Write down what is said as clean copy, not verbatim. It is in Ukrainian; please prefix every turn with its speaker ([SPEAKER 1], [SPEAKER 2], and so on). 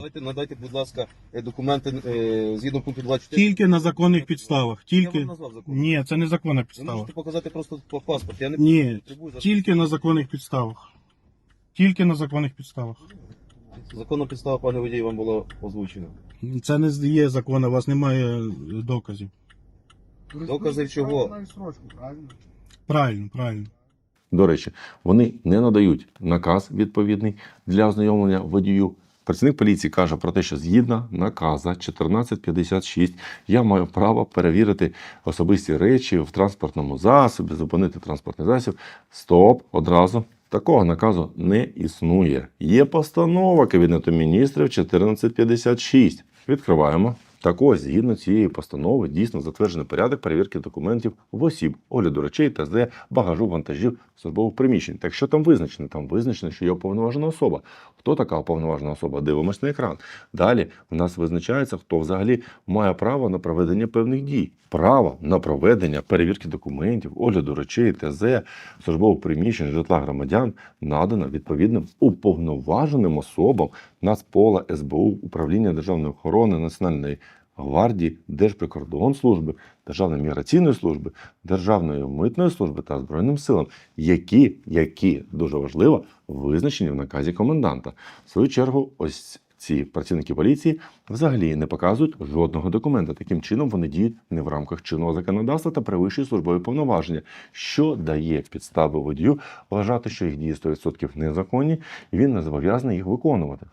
[SPEAKER 1] Надайте, будь ласка, документи згідно пункту 24.
[SPEAKER 2] Тільки на законних підставах.
[SPEAKER 1] Я
[SPEAKER 2] Тільки...
[SPEAKER 1] вам назвав закон.
[SPEAKER 2] Ні, це не законна
[SPEAKER 1] Ви
[SPEAKER 2] підстава.
[SPEAKER 1] можете показати просто паспорт. Я не
[SPEAKER 2] Ні,
[SPEAKER 1] потребую
[SPEAKER 2] тільки на законних підставах. Тільки на законних підставах.
[SPEAKER 1] законна підстава, пане водій, вам була озвучена.
[SPEAKER 2] Це не є закон, у вас немає доказів.
[SPEAKER 1] Докази чого?
[SPEAKER 2] Правильно, правильно.
[SPEAKER 3] До речі, вони не надають наказ відповідний для ознайомлення водію. Працівник поліції каже про те, що згідно наказа 1456 я маю право перевірити особисті речі в транспортному засобі, зупинити транспортний засіб. Стоп, одразу. Такого наказу не існує. Є постанова Кабінету міністрів 1456. Відкриваємо. Так ось, згідно цієї постанови, дійсно затверджений порядок перевірки документів в осіб, огляду речей, ТЗ, багажу, вантажів, службових приміщень. Так що там визначено? Там визначено, що є уповноважена особа. Хто така уповноважена особа? Дивимось на екран. Далі в нас визначається, хто взагалі має право на проведення певних дій. Право на проведення перевірки документів, огляду речей, ТЗ, службових приміщень, житла громадян надано відповідним уповноваженим особам Нацпола, СБУ, Управління державної охорони, Національної гвардії, Держприкордонслужби, Державної міграційної служби, Державної митної служби та Збройним силам, які дуже важливо, визначені в наказі коменданта. В свою чергу, ось ці працівники поліції взагалі не показують жодного документа. Таким чином вони діють не в рамках чинного законодавства та перевищують службові повноваження, що дає підстави водію вважати, що їх дії 100% незаконні, і він не зобов'язаний їх виконувати.